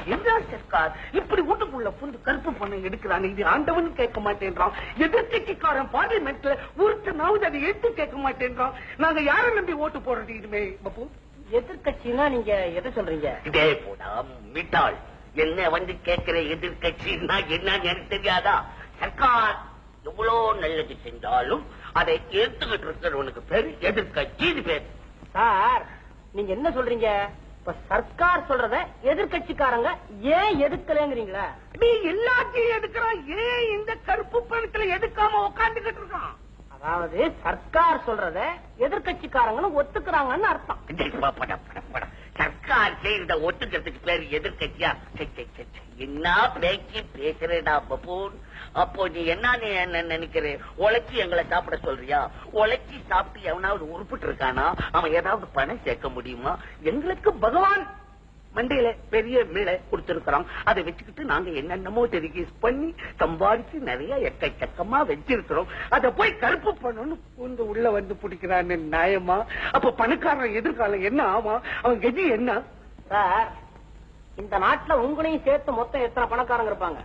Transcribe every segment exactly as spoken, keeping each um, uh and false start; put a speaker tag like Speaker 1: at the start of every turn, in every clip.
Speaker 1: என்ன சர்க்கார் இப்படி வீட்டுக்குள்ள புந்து கருப்பு பணம் எடுக்கிறாங்க? இது ஆண்டவன் கேட்க மாட்டேன்றான், எதிர்கட்சிக்காரன் பார்லிமெண்ட்ல ஒருத்தனாவது அதை எடுத்து கேட்க மாட்டேன்றான். நாங்க யாரை நம்பி ஓட்டு போடுறது இனிமே? பப்பு,
Speaker 2: எதிர்கட்சின்னா நீங்க எதை சொல்றீங்க?
Speaker 3: இதே போடா மிட்டாள், என்ன வந்து கேட்கிற எதிர்கட்சின்னா என்னன்னு எனக்கு தெரியாதா? சர்க்கார் எவ்வளவு நல்லது செஞ்சாலும் அதை ஏத்துக்கிட்டு இருக்கிறவனுக்கு பேரு எதிர்கட்சின்னு பேரு.
Speaker 2: சார் நீங்க என்ன சொல்றீங்க? இப்ப சர்க்கார் சொல்றத எதிர்கட்சிக்காரங்க ஏன் எதுக்கலங்கிறீங்களா?
Speaker 1: நீ எல்லாத்தையும் எடுக்கிறான், ஏன் இந்த கருப்பு பணத்துல எடுக்காம உட்காந்துக்கிட்டு இருக்கான்?
Speaker 2: அதாவது சர்க்கார் சொல்றத எதிர்கட்சிக்காரங்களும் ஒத்துக்கிறாங்கன்னு அர்த்தம்.
Speaker 3: சர்க்கார் செய்யறத ஒத்துக்கிறதுக்கு பேரு எதிர்கட்சியா? என்ன பேச்சு பேசுறேடா பப்பூன். அப்போ நீ என்ன நினைக்கிற? உழைச்சி எங்களை சாப்பிட சொல்றியா? உழைச்சி சாப்பிட்டு எவனாவது உருப்பிட்டு இருக்கானா? அவன் ஏதாவது பணம் சேர்க்க முடியுமா? எங்களுக்கு பகவான் மண்டையில பெரிய மீளை கொடுத்திருக்கிறோம். அதை வச்சுக்கிட்டு நாங்க என்னென்னமோ டெலிகேஸ் பண்ணி சம்பாதிச்சு நிறைய எக்கச்சக்கமா வச்சிருக்கிறோம். அதை போய் கருப்பு பண்ணணும்னு பூந்து உள்ள வந்து பிடிக்கிறான்னு நியாயமா? அப்ப பணக்காரன் எதிர்காலம் என்ன ஆமா? அவன் கதி என்ன?
Speaker 2: சார் இந்த நாட்டுல உங்களையும் சேர்த்து மொத்தம் எத்தனை பணக்காரங்க இருப்பாங்க?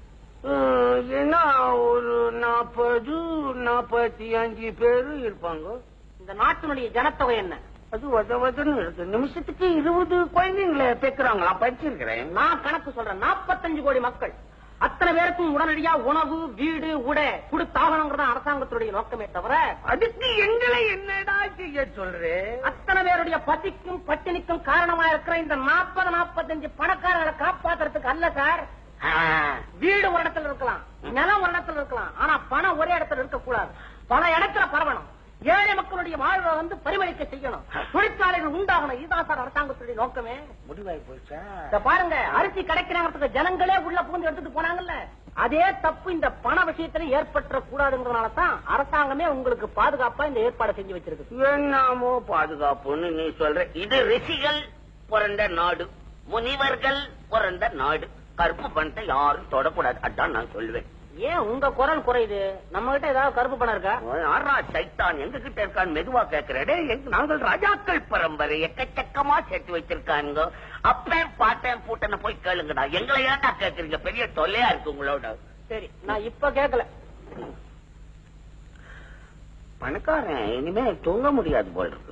Speaker 1: என்ன ஒரு நாற்பது நாற்பத்தி அஞ்சு பேரு இருப்பாங்க.
Speaker 2: இந்த நாட்டினுடைய ஜனத்தொகை என்ன?
Speaker 1: அது வத வதன்னு இருக்கு. நிமிஷத்துக்கு இருபது குழந்தைங்களை பேக்குறாங்களா? படிச்சிருக்கிறேன்.
Speaker 2: நான் கணக்கு சொல்றேன். நாற்பத்தஞ்சு கோடி மக்கள். அத்தனை பேருக்கும் உடனடியா உணவு வீடு உடை கொடுத்தாகணுங்கிறத அரசாங்கத்துடைய நோக்கமே தவிர
Speaker 1: அதுக்கு எங்களை என்னடா செய்ய சொல்றேன்?
Speaker 2: அத்தனை பேருடைய பசிக்கும் பட்டினிக்கும் காரணமா இருக்கிற இந்த நாற்பது நாற்பத்தஞ்சு பணக்காரர்களை காப்பாத்துறதுக்கு அல்ல சார். வீடு ஒரு இடத்துல இருக்கலாம், நிலம் ஒரு இடத்துல இருக்கலாம், ஆனா பணம் ஒரே இடத்துல இருக்க கூடாது. பல இடத்துல பரவணும். ஏழை மக்களுடைய வாழ்வை வந்து பரிமளிக்க செய்யணும். தொழிற்சாலைகள் உண்டாகணும். இதுதான் சார் அரசாங்கத்துடைய நோக்கமே.
Speaker 1: முடிவாய் போச்சா?
Speaker 2: பாருங்க, அரிசி கிடைக்கிறவங்களுக்கு ஜனங்களே உள்ள பூந்து எடுத்துட்டு போனாங்கல்ல, அதே தப்பு இந்த பண விஷயத்துல ஏற்பட்ட கூடாதுங்கிறதுனாலதான் அரசாங்கமே உங்களுக்கு பாதுகாப்பா இந்த ஏற்பாடு செஞ்சு வச்சிருக்கு.
Speaker 3: என்னமோ பாதுகாப்புன்னு நீ சொல்ற. இது ரிஷிகள் பிறந்த நாடு, முனிவர்கள் பிறந்த நாடு. கருப்பு பணத்தை யாரும் தொடக்கூடாது, அதான் நான் சொல்லுவேன்.
Speaker 2: ஏன் உங்க குரல் குறையுது? நம்ம கிட்ட ஏதாவது கருப்பு பணம் இருக்கா?
Speaker 3: யாரா சைத்தான் எங்க கிட்ட இருக்கான்னு மெதுவா கேட்கிறே. நாங்கள் ராஜாக்கள் பரம்பரை, எக்கச்சக்கமா சேர்த்து வச்சிருக்காங்க. அப்பேன் பாட்டேன் பூட்டனை போய் கேளுங்கடா. எங்களை ஏன்டா கேக்குறீங்க? பெரிய தொல்லையா இருக்கு உங்களோட.
Speaker 2: சரி, நான் இப்ப கேட்கல.
Speaker 3: பணக்காரன் இனிமே தூங்க முடியாது போல் இருக்கு.